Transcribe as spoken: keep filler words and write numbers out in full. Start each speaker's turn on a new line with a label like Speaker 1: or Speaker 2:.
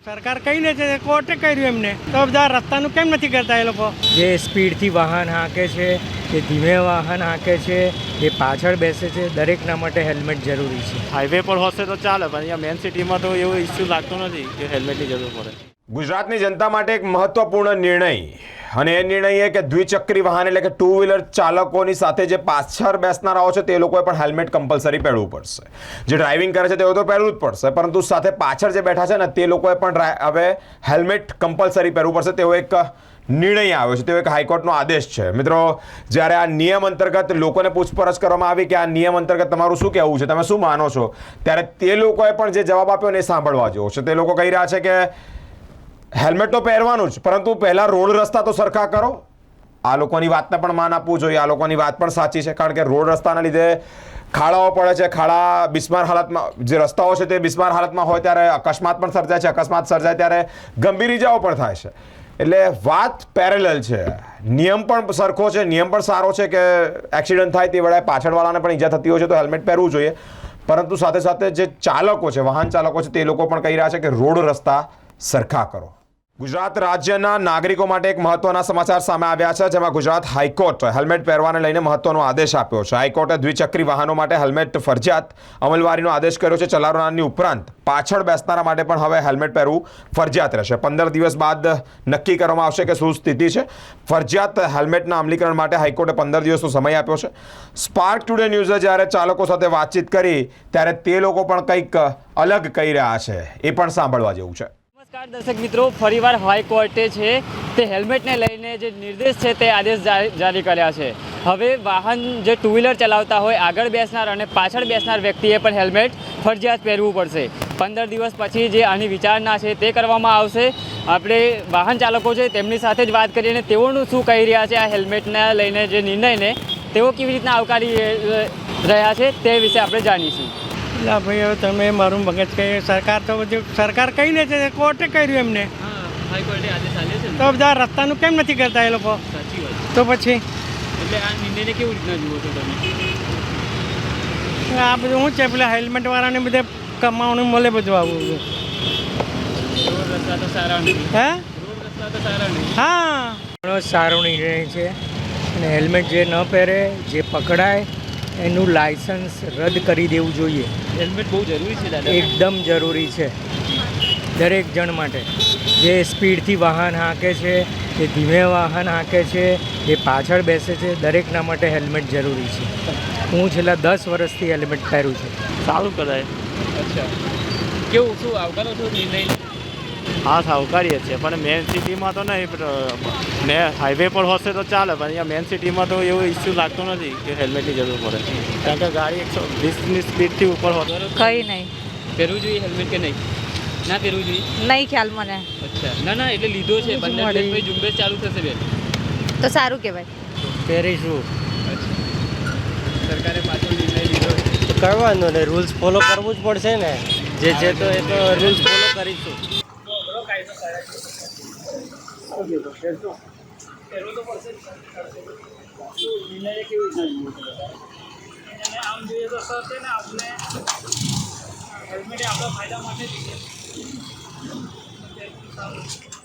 Speaker 1: સરકાર કઈ લે છે, કોર્ટે કર્યું એમને, તો બધા રસ્તાનું કેમ નથી કરતા એ લોકો?
Speaker 2: જે સ્પીડથી વાહન હાંકે છે, જે ધીમે વાહન હાંકે છે, જે પાછળ બેસે છે, દરેકના માટે હેલ્મેટ જરૂરી છે.
Speaker 3: હાઈવે પર હશે તો ચાલે, પણ અહીંયા મેન સિટીમાં તો એવો ઇસ્યુ લાગતો નથી કે હેલ્મેટની જરૂર પડે.
Speaker 4: ગુજરાતની જનતા માટે એક મહત્વપૂર્ણ નિર્ણય, અને એ નિર્ણય એ કે દ્વિચક્રી વાહન એટલે કે ટુ વ્હીલર ચાલકોની સાથે જે પાછળ બેસનારાઓ છે તે લોકોએ પણ હેલ્મેટ કમ્પલસરી પહેરવું પડશે. જે ડ્રાઇવિંગ કરે છે તેઓ તો પહેરવું જ પડશે, પરંતુ સાથે પાછળ જે બેઠા છે ને તે લોકોએ પણ હવે હેલ્મેટ કમ્પલસરી પહેરવું પડશે તેવો એક નિર્ણય આવ્યો છે, તેવો એક હાઈકોર્ટનો આદેશ છે. મિત્રો, જ્યારે આ નિયમ અંતર્ગત લોકોને પૂછપરછ કરવામાં આવી કે આ નિયમ અંતર્ગત તમારું શું કહેવું છે, તમે શું માનો છો, ત્યારે તે લોકોએ પણ જે જવાબ આપ્યો ને એ સાંભળવા જેવો છે. તે લોકો કહી રહ્યા છે કે હેલ્મેટ તો પહેરવાનું જ, પરંતુ પહેલાં રોડ રસ્તા તો સરખા કરો. આ લોકોની વાતને પણ માન આપવું જોઈએ, આ લોકોની વાત પણ સાચી છે, કારણ કે રોડ રસ્તાના લીધે ખાડાઓ પડે છે. ખાડા બિસ્માર હાલતમાં, જે રસ્તાઓ છે તે બિસ્માર હાલતમાં હોય ત્યારે અકસ્માત પણ સર્જાય છે, અકસ્માત સર્જાય ત્યારે ગંભીર ઇજાઓ પણ થાય છે. એટલે વાત પેરેલલ છે, નિયમ પણ સરખો છે, નિયમ પણ સારો છે કે એક્સિડન્ટ થાય તે વેળાએ પાછળવાળાને પણ ઈજા થતી હોય છે તો હેલ્મેટ પહેરવું જોઈએ, પરંતુ સાથે સાથે જે ચાલકો છે, વાહન ચાલકો છે, તે લોકો પણ કહી રહ્યા છે કે રોડ રસ્તા સરખા કરો. ગુજરાત રાજ્યના નાગરિકો માટે એક મહત્વના સમાચાર સામે આવ્યા છે, જેમાં ગુજરાત હાઈકોર્ટ હેલ્મેટ પહેરવાને લઈને મહત્વનો આદેશ આપ્યો છે. હાઈકોર્ટે દ્વિચક્રી વાહનો માટે હેલ્મેટ ફરજિયાત અમલવારીનો આદેશ કર્યો છે. ચલાવનારની ઉપરાંત પાછળ બેસનારા માટે પણ હવે હેલ્મેટ પહેરવું ફરજિયાત રહેશે. પંદર દિવસ બાદ નક્કી કરવામાં આવશે કે શું સ્થિતિ છે. ફરજિયાત હેલ્મેટના અમલીકરણ માટે હાઈકોર્ટે પંદર દિવસનો સમય આપ્યો છે. સ્પાર્ક ટુડે ન્યૂઝે જ્યારે ચાલકો સાથે વાતચીત કરી ત્યારે તે લોકો પણ કંઈક અલગ કહી રહ્યા છે, એ પણ સાંભળવા જેવું છે.
Speaker 5: નમસ્કાર દર્શક મિત્રો, ફરીવાર હાઈકોર્ટે છે તે હેલ્મેટને લઈને જે નિર્દેશ છે તે આદેશ જારી કર્યા છે. હવે વાહન જે ટુ વ્હીલર ચલાવતા હોય, આગળ બેસનાર અને પાછળ બેસનાર વ્યક્તિએ પણ હેલ્મેટ ફરજિયાત પહેરવું પડશે. પંદર દિવસ પછી જે આની વિચારણા છે તે કરવામાં આવશે. આપણે વાહન ચાલકો છે તેમની સાથે જ વાત કરીએ અને તેઓનું શું કહી રહ્યા છે આ હેલ્મેટને લઈને જે નિર્ણયને તેઓ કેવી રીતના આવકારી રહ્યા છે તે વિશે આપણે જાણીશું.
Speaker 1: એટલે ભાઈ હવે તમે મારું મગજ કહે, સરકાર તો બધું સરકાર કઈ લે છે, કોર્ટે કર્યું એમને,
Speaker 5: હાઈકોર્ટે આદેશ આપ્યો છે
Speaker 1: તો બધા રસ્તાનું કેમ નથી કરતા એ લોકો?
Speaker 5: સાચી વાત.
Speaker 1: તો પછી
Speaker 5: એટલે આ નિર્ણયને કેવી રીતના જુઓ છો તમે?
Speaker 1: આ બધું શું છે, પેલા હેલ્મેટ વાળાને બધે કમાવાનું મળે બધું આવું બધું.
Speaker 5: રોડ રસ્તા તો સારા નથી.
Speaker 1: હે
Speaker 5: રોડ રસ્તા તો સારા નહીં.
Speaker 1: હા,
Speaker 2: ઘણો સારો નિર્ણય છે, અને હેલ્મેટ જે ન પહેરે, જે પકડાય એનું લાયસન્સ રદ કરી દેવું જોઈએ.
Speaker 5: હેલ્મેટ બહુ જરૂરી છે દાદા.
Speaker 2: એકદમ જરૂરી છે દરેક જણ માટે. જે સ્પીડથી વાહન હાંકે છે, જે ધીમે વાહન હાંકે છે, જે પાછળ બેસે છે, દરેકના માટે હેલ્મેટ જરૂરી છે. હું છેલ્લા દસ વર્ષથી હેલ્મેટ પહેરું છું.
Speaker 3: સારું કરાય.
Speaker 5: અચ્છા, કેવું શું આવકારો છો નિર્ણય?
Speaker 3: હા, સાવકારીએ છે, પણ મેન સિટીમાં તો નહીં. મેં હાઈવે પર હશે તો ચાલે, પણ અહીંયા મેન સિટીમાં તો એવો ઇસ્યુ લાગતો નથી કે હેલ્મેટની જરૂર પડે, કારણ કે ગાડી એકસો વીસની સ્પીડથી ઉપર હોય.
Speaker 6: કઈ નહીં
Speaker 5: પહેરવું જોઈએ હેલ્મેટ કે નહીં? ના પહેરવું જોઈએ?
Speaker 6: નહીં ખ્યાલ મને.
Speaker 5: અચ્છા, ના ના એટલે લીધો છે, પંદર દિવસ પછી ઝુંબેશ ચાલુ થશે બેન.
Speaker 6: તો સારું કહેવાય.
Speaker 2: પહેરીશું.
Speaker 5: સરકારે પાછો નિર્ણય લીધો છે.
Speaker 2: કરવાનું ને રૂલ્સ ફોલો કરવું જ પડશે ને. જે છે તો એ તો રૂલ્સ ફોલો કરીશું.
Speaker 1: આમ જોઈએ તો સર છે ને, આપણે હેલ્મેટ આપણા ફાયદા માટે જ છે.